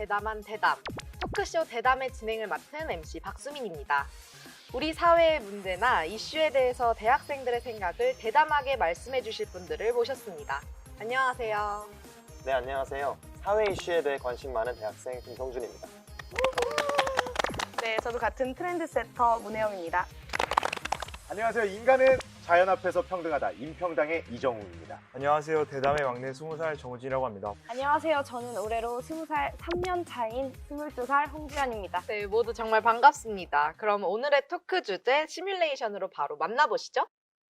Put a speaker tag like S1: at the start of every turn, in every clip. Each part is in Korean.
S1: 대담한 대담, 토크쇼 대담의 진행을 맡은 MC 박수민입니다. 우리 사회의 문제나 이슈에 대해서 대학생들의 생각을 대담하게 말씀해 주실 분들을 모셨습니다. 안녕하세요.
S2: 네, 안녕하세요. 사회 이슈에 대해 관심 많은 대학생 김성준입니다.
S3: 네, 저도 같은 트렌드세터 문혜영입니다.
S4: 안녕하세요. 인간은 자연 앞에서 평등하다. 임평당의 이정우입니다.
S5: 안녕하세요. 대담의 막내 20살 정우진이라고 합니다.
S3: 안녕하세요. 저는 올해로 20살 3년 차인 22살 홍지연입니다.
S1: 네, 모두 정말 반갑습니다. 그럼 오늘의 토크 주제 시뮬레이션으로 바로 만나보시죠.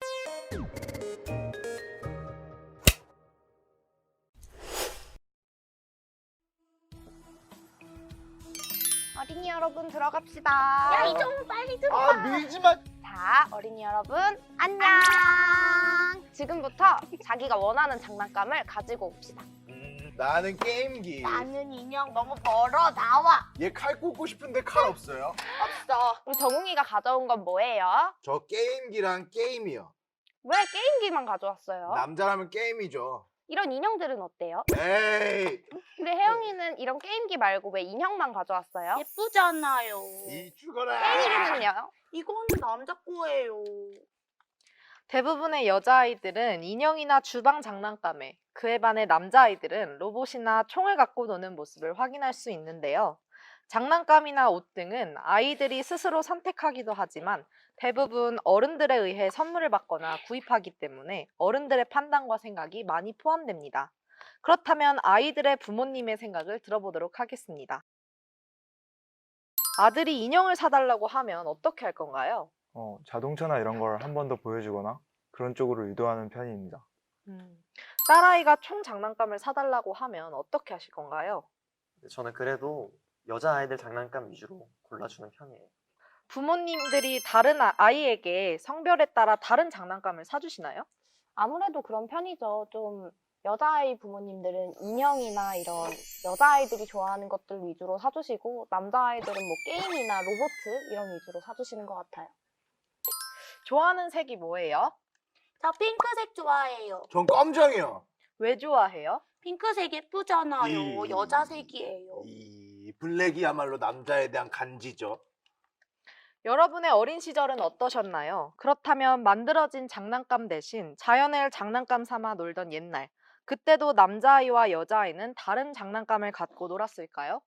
S1: 어린이 여러분 들어갑시다.
S3: 야, 이정우 빨리 들어와.
S4: 밀지 마.
S3: 자, 어린이 여러분 안녕. 지금부터 자기가 원하는 장난감을 가지고 옵시다.
S4: 나는 게임기.
S3: 나는 인형 너무 벌어 나와.
S4: 얘 칼 꽂고 싶은데 칼 없어요.
S3: 없어. 우리 정웅이가 가져온 건 뭐예요?
S4: 저 게임기랑 게임이요.
S3: 왜 게임기만 가져왔어요?
S4: 남자라면 게임이죠.
S3: 이런 인형들은 어때요?
S4: 에이,
S3: 근데 혜영이는 이런 게임기 말고 왜 인형만 가져왔어요?
S6: 예쁘잖아요.
S4: 이 죽어라.
S3: 게임기는요?
S6: 이건 남자 거예요.
S1: 대부분의 여자아이들은 인형이나 주방 장난감에, 그에 반해 남자아이들은 로봇이나 총을 갖고 노는 모습을 확인할 수 있는데요. 장난감이나 옷 등은 아이들이 스스로 선택하기도 하지만 대부분 어른들에 의해 선물을 받거나 구입하기 때문에 어른들의 판단과 생각이 많이 포함됩니다. 그렇다면 아이들의 부모님의 생각을 들어보도록 하겠습니다. 아들이 인형을 사달라고 하면 어떻게 할 건가요?
S5: 자동차나 이런 걸 한 번 더 보여주거나 그런 쪽으로 유도하는 편입니다.
S1: 딸아이가 총 장난감을 사달라고 하면 어떻게 하실 건가요?
S2: 저는 그래도 여자아이들 장난감 위주로 골라주는 편이에요.
S1: 부모님들이 다른 아이에게 성별에 따라 다른 장난감을 사주시나요?
S3: 아무래도 그런 편이죠. 좀 여자아이 부모님들은 인형이나 이런 여자아이들이 좋아하는 것들 위주로 사주시고 남자아이들은 뭐 게임이나 로봇 이런 위주로 사주시는 것 같아요.
S1: 좋아하는 색이 뭐예요?
S6: 저 핑크색 좋아해요.
S4: 전 검정이요.
S1: 왜 좋아해요?
S6: 핑크색 예쁘잖아요.
S4: 이-
S6: 여자색이에요.
S4: 이 블랙이야말로 남자에 대한 간지죠.
S1: 여러분의 어린 시절은 어떠셨나요? 그렇다면 만들어진 장난감 대신 자연을 장난감 삼아 놀던 옛날, 그때도 남자아이와 여자아이는 다른 장난감을 갖고 놀았을까요?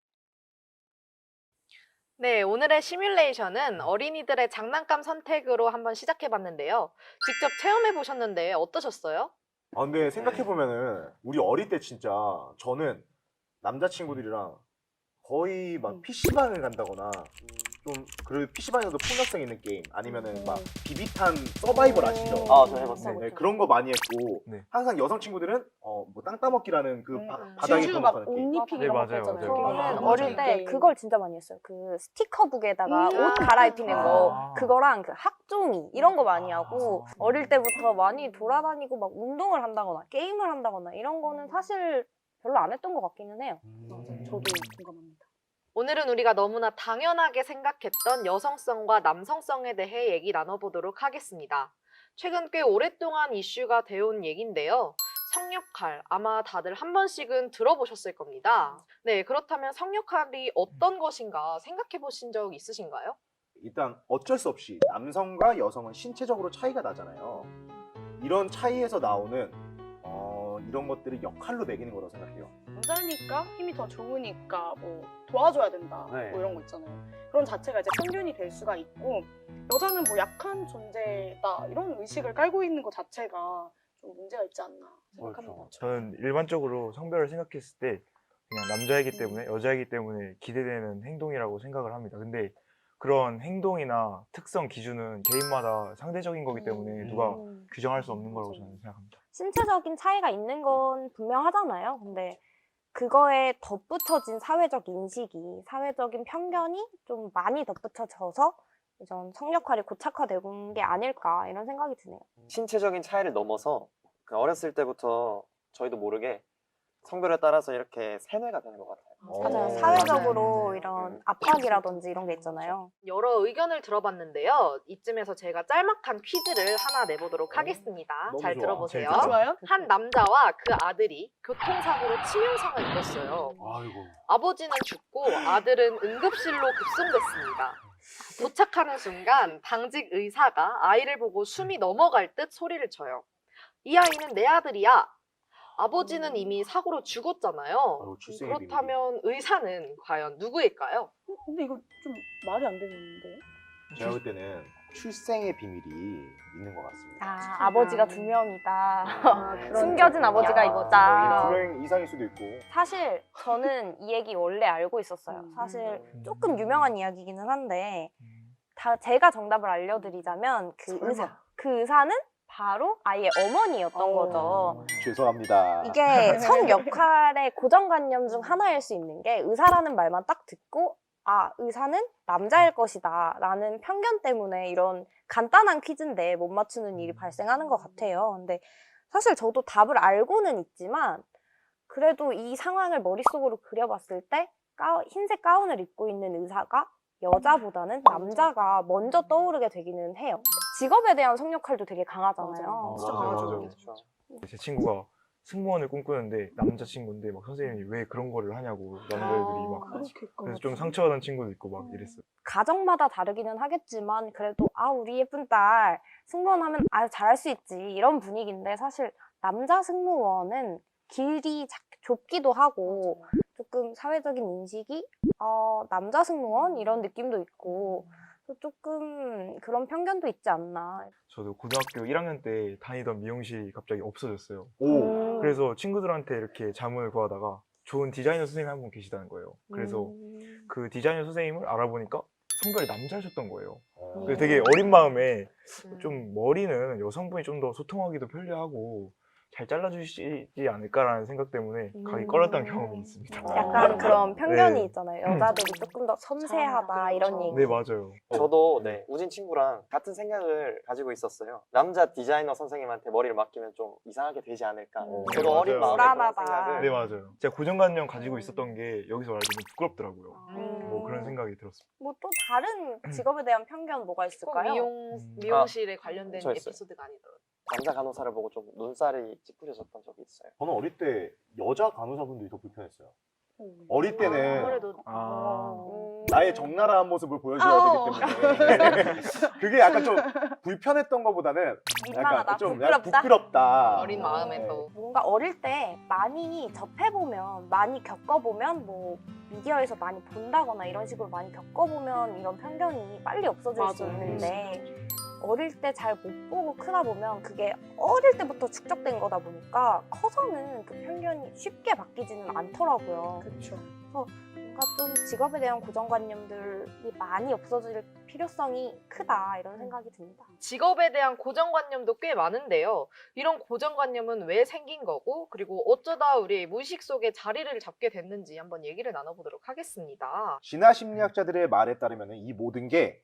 S1: 네, 오늘의 시뮬레이션은 어린이들의 장난감 선택으로 한번 시작해봤는데요. 직접 체험해보셨는데 어떠셨어요?
S4: 근데 생각해보면은 우리 어릴 때 진짜 저는 남자친구들이랑 거의 막 PC방을 간다거나 좀 그리고 PC방에서도 폭력성 있는 게임 아니면은 막 비비탄 서바이벌 아시죠?
S2: 아, 저 해봤어요.
S4: 네, 그런 거 많이 했고
S5: 네.
S4: 항상 여성 친구들은 뭐 땅 따먹기라는 그 바닥에
S3: 진주
S4: 도박하는 게임.
S3: 옷 입히기
S5: 네,
S3: 이런 거
S5: 맞아요,
S3: 있잖아요.
S5: 맞아요.
S4: 아,
S3: 저는 어릴 때
S6: 맞아요.
S3: 그걸 진짜 많이 했어요. 그 스티커북에다가 옷 갈아입히는 거 그거랑 그 학종이 이런 거 많이 하고 어릴 때부터 많이 돌아다니고 막 운동을 한다거나 게임을 한다거나 이런 거는 사실 별로 안 했던 것 같기는 해요.
S6: 저도 공감합니다.
S1: 오늘은 우리가 너무나 당연하게 생각했던 여성성과 남성성에 대해 얘기 나눠보도록 하겠습니다. 최근 꽤 오랫동안 이슈가 되어온 얘기인데요. 성역할, 아마 다들 한 번씩은 들어보셨을 겁니다. 네, 그렇다면 성역할이 어떤 것인가 생각해 보신 적 있으신가요?
S4: 일단 어쩔 수 없이 남성과 여성은 신체적으로 차이가 나잖아요. 이런 차이에서 나오는 이런 것들을 역할로 매기는 거라고 생각해요.
S6: 남자니까 힘이 더 좋으니까 뭐 도와줘야 된다.
S2: 네.
S6: 뭐 이런 거 있잖아요. 그런 자체가 이제 편견이 될 수가 있고 여자는 뭐 약한 존재다 이런 의식을 깔고 있는 것 자체가 좀 문제가 있지 않나 생각합니다.
S5: 저는 일반적으로 성별을 생각했을 때 그냥 남자이기 때문에 여자이기 때문에 기대되는 행동이라고 생각을 합니다. 근데 그런 행동이나 특성 기준은 개인마다 상대적인 거기 때문에 누가 규정할 수 없는 거라고 저는 생각합니다.
S3: 신체적인 차이가 있는 건 분명하잖아요. 근데 그거에 덧붙여진 사회적 인식이, 사회적인 편견이 좀 많이 덧붙여져서 이전 성역할이 고착화된 게 아닐까 이런 생각이 드네요.
S2: 신체적인 차이를 넘어서 그 어렸을 때부터 저희도 모르게 성별에 따라서 이렇게 세뇌가 되는 것 같아요.
S3: 맞아요.
S4: 어.
S3: 사회적으로
S5: 맞아요.
S3: 이런 압박이라든지 이런 게 있잖아요.
S1: 여러 의견을 들어봤는데요. 이쯤에서 제가 짤막한 퀴즈를 하나 내보도록 하겠습니다.
S4: 너무
S1: 잘
S4: 좋아.
S1: 들어보세요.
S5: 재밌다.
S6: 좋아요?
S1: 한 남자와 그 아들이 교통사고로 치명상을 입었어요.
S4: 아이고.
S1: 아버지는 죽고 아들은 응급실로 급송됐습니다. 도착하는 순간 당직 의사가 아이를 보고 숨이 넘어갈 듯 소리를 쳐요. 이 아이는 내 아들이야. 아버지는 이미 사고로 죽었잖아요.
S4: 아유, 출생의
S1: 그렇다면 의사는 과연 누구일까요?
S6: 근데 이거 좀 말이 안 되는데.
S4: 제가 볼 때는 출생의 비밀이 있는 것 같습니다.
S3: 아, 아버지가 두 명이다.
S6: 아, 그런
S3: 숨겨진
S6: 쪽이야.
S3: 아버지가 있다.
S4: 두 명 이상일 수도 있고.
S3: 사실 저는 이 얘기 원래 알고 있었어요. 사실 조금 유명한 이야기이기는 한데 제가 정답을 알려드리자면 그 의사는 바로 아이의 어머니였던 거죠.
S4: 죄송합니다.
S3: 이게 성 역할의 고정관념 중 하나일 수 있는 게 의사라는 말만 딱 듣고 아, 의사는 남자일 것이다 라는 편견 때문에 이런 간단한 퀴즈인데 못 맞추는 일이 발생하는 것 같아요. 근데 사실 저도 답을 알고는 있지만 그래도 이 상황을 머릿속으로 그려봤을 때 흰색 가운을 입고 있는 의사가 여자보다는 남자가 먼저 떠오르게 되기는 해요. 직업에 대한 성역할도 되게 강하잖아요.
S6: 진짜
S5: 맞아요,
S6: 강하죠.
S5: 맞아요. 제 친구가 승무원을 꿈꾸는데 남자친구인데 막 선생님이 왜 그런 거를 하냐고 남자애들이 막 그래서 좀 상처받은 친구도 있고 막 이랬어요.
S3: 가정마다 다르기는 하겠지만 그래도 아 우리 예쁜 딸 승무원 하면 아 잘할 수 있지 이런 분위기인데 사실 남자 승무원은 길이 좁기도 하고 조금 사회적인 인식이 남자 승무원 이런 느낌도 있고 조금 그런 편견도 있지 않나.
S5: 저도 고등학교 1학년 때 다니던 미용실이 갑자기 없어졌어요.
S4: 오.
S5: 그래서 친구들한테 이렇게 자문을 구하다가 좋은 디자이너 선생님이 한 분 계시다는 거예요. 그래서 그 디자이너 선생님을 알아보니까 성별이 남자셨던 거예요. 그래서 되게 어린 마음에 좀 머리는 여성분이 좀 더 소통하기도 편리하고 잘 잘라주시지 않을까라는 생각 때문에 가기 꺼렸던 경험이 있습니다.
S3: 약간 그런 편견이
S5: 네.
S3: 있잖아요. 여자들이 조금 더 섬세하다 이런 얘기.
S5: 네, 맞아요.
S2: 저도 우진 친구랑 같은 생각을 가지고 있었어요. 남자 디자이너 선생님한테 머리를 맡기면 좀 이상하게 되지 않을까. 제가
S5: 맞아요.
S2: 어린 마음에 그런
S3: 불안하다.
S2: 생각을
S5: 네, 맞아요. 제가 고정관념 가지고 있었던 게 여기서 말하면 좀 부끄럽더라고요.
S3: 음.
S5: 뭐 그런 생각이 들었습니다.
S3: 뭐 또 다른 직업에 대한 편견 뭐가
S1: 꼭
S3: 있을까요?
S1: 미용실에 관련된
S2: 저 있어요.
S1: 에피소드가 아니더라도.
S2: 남자 간호사를 보고 좀 눈살이 찌푸려졌던 적이 있어요.
S4: 저는 어릴 때 여자 간호사분들이 더 불편했어요. 어릴 때는
S1: 아무래도
S4: 나의 적나라한 모습을 보여줘야 되기 때문에 그게 약간 좀 불편했던 것보다는
S3: 민망하다,
S4: 약간 좀
S3: 부끄럽다?
S4: 부끄럽다.
S1: 어린 마음에서.
S3: 뭔가 어릴 때 많이 접해보면, 많이 겪어보면, 뭐 미디어에서 많이 본다거나 이런 식으로 많이 겪어보면 이런 편견이 빨리 없어질 수
S6: 맞아요.
S3: 있는데 어릴 때 잘 못 보고 크다 보면 그게 어릴 때부터 축적된 거다 보니까 커서는 그 편견이 쉽게 바뀌지는 않더라고요.
S6: 그렇죠.
S3: 뭔가 좀 직업에 대한 고정관념들이 많이 없어질 필요성이 크다 이런 생각이 듭니다.
S1: 직업에 대한 고정관념도 꽤 많은데요. 이런 고정관념은 왜 생긴 거고, 그리고 어쩌다 우리 무의식 속에 자리를 잡게 됐는지 한번 얘기를 나눠보도록 하겠습니다.
S4: 진화 심리학자들의 말에 따르면 이 모든 게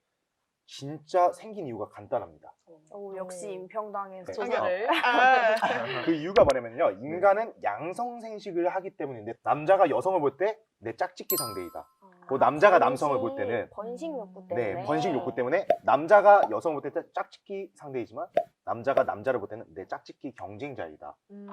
S4: 진짜 생긴 이유가 간단합니다.
S3: 오, 역시 임평당에서
S4: 네.
S1: 조사를.
S4: 그 이유가 뭐냐면요. 인간은 양성 생식을 하기 때문인데 남자가 여성을 볼 때 내 짝짓기 상대이다. 그 남자가 남성을 볼 때는
S3: 번식 욕구 때문에
S4: 네, 번식 욕구 때문에 남자가 여성을 볼 때 짝짓기 상대이지만 남자가 남자를 볼 때는 내 짝짓기 경쟁자이다.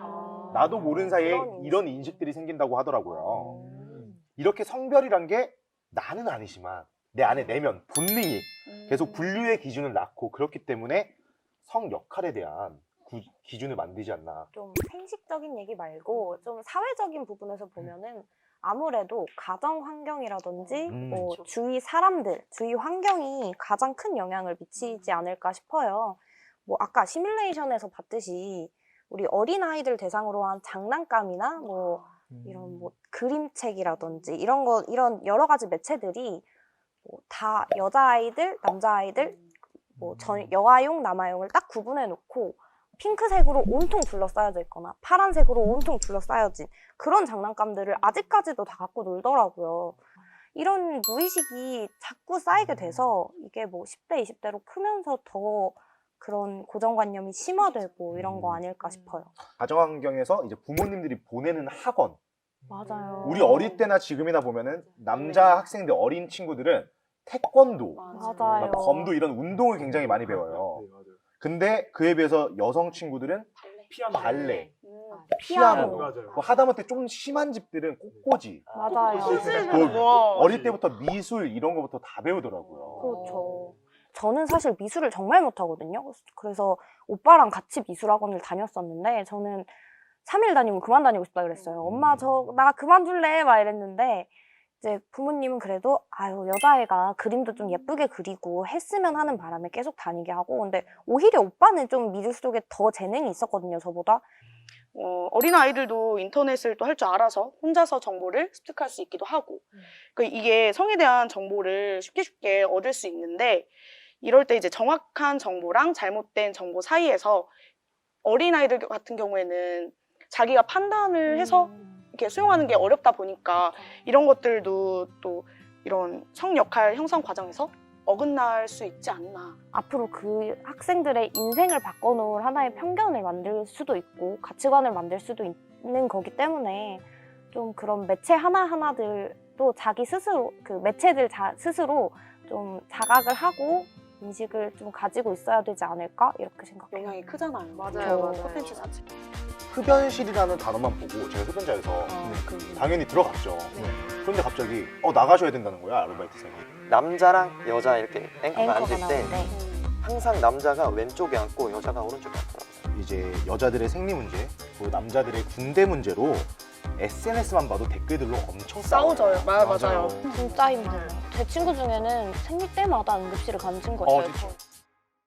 S4: 나도 모르는 사이에
S3: 그런 인식.
S4: 이런 인식들이 생긴다고 하더라고요. 이렇게 성별이란 게 나는 아니지만 내 안에 내면 본능이 계속 분류의 기준을 낳고 그렇기 때문에 성 역할에 대한 기준을 만들지 않나.
S3: 좀 생식적인 얘기 말고 좀 사회적인 부분에서 보면은 아무래도 가정 환경이라든지 뭐
S1: 그렇죠.
S3: 주위 사람들, 주위 환경이 가장 큰 영향을 미치지 않을까 싶어요. 뭐 아까 시뮬레이션에서 봤듯이 우리 어린 아이들 대상으로 한 장난감이나 뭐 이런 뭐 그림책이라든지 이런 여러 가지 매체들이 뭐 다 여자아이들, 남자아이들, 뭐 여아용, 남아용을 딱 구분해 놓고 핑크색으로 온통 둘러싸여져 있거나 파란색으로 온통 둘러싸여진 그런 장난감들을 아직까지도 다 갖고 놀더라고요. 이런 무의식이 자꾸 쌓이게 돼서 이게 뭐 10대, 20대로 크면서 더 그런 고정관념이 심화되고 이런 거 아닐까 싶어요.
S4: 가정 환경에서 이제 부모님들이 보내는 학원
S3: 맞아요.
S4: 우리 어릴 때나 지금이나 보면은 남자 학생들 어린 친구들은 태권도,
S3: 맞아요.
S4: 막 검도 이런 운동을 굉장히 많이 배워요.
S5: 네, 맞아요.
S4: 근데 그에 비해서 여성 친구들은 발레, 피아노,
S5: 맞아요.
S4: 뭐 하다못해 좀 심한 집들은 꽃꽂이,
S3: 맞아요.
S4: 그 어릴 때부터 미술 이런 거부터 다 배우더라고요.
S3: 그렇죠. 저는 사실 미술을 정말 못하거든요. 그래서 오빠랑 같이 미술학원을 다녔었는데 저는 3일 다니고 그만 다니고 싶다 그랬어요. 엄마 나 그만둘래 막 이랬는데 이제 부모님은 그래도 아유 여자애가 그림도 좀 예쁘게 그리고 했으면 하는 바람에 계속 다니게 하고 근데 오히려 오빠는 좀 미술 쪽에 더 재능이 있었거든요, 저보다.
S6: 어린아이들도 인터넷을 또 할 줄 알아서 혼자서 정보를 습득할 수 있기도 하고 이게 성에 대한 정보를 쉽게 얻을 수 있는데 이럴 때 이제 정확한 정보랑 잘못된 정보 사이에서 어린아이들 같은 경우에는 자기가 판단을 해서 이렇게 수용하는 게 어렵다 보니까 이런 것들도 또 이런 성 역할 형성 과정에서 어긋날 수 있지 않나.
S3: 앞으로 그 학생들의 인생을 바꿔놓을 하나의 편견을 만들 수도 있고 가치관을 만들 수도 있는 거기 때문에 좀 그런 매체 하나하나들도 자기 스스로 그 매체들 스스로 좀 자각을 하고 인식을 좀 가지고 있어야 되지 않을까 이렇게 생각해요.
S6: 영향이 크잖아요.
S1: 맞아요.
S6: 콘텐츠 자체.
S4: 흡연실이라는 단어만 보고 제가 흡연자에서
S3: 그
S4: 당연히 들어갔죠. 그런데 갑자기 나가셔야 된다는 거야, 아르바이트생이.
S2: 남자랑 여자 이렇게 앵커가
S3: 앵커가
S2: 앉을 때
S3: 나오는데
S2: 항상 남자가 왼쪽에 앉고 여자가 오른쪽에 앉더라고요.
S4: 이제 여자들의 생리 문제, 그 남자들의 군대 문제로 SNS만 봐도 댓글들로 엄청
S6: 싸우져요. 맞아요.
S3: 진짜 힘들어요. 제 친구 중에는 생리 때마다 응급실을 가는 친구가 있어요.
S4: 진짜.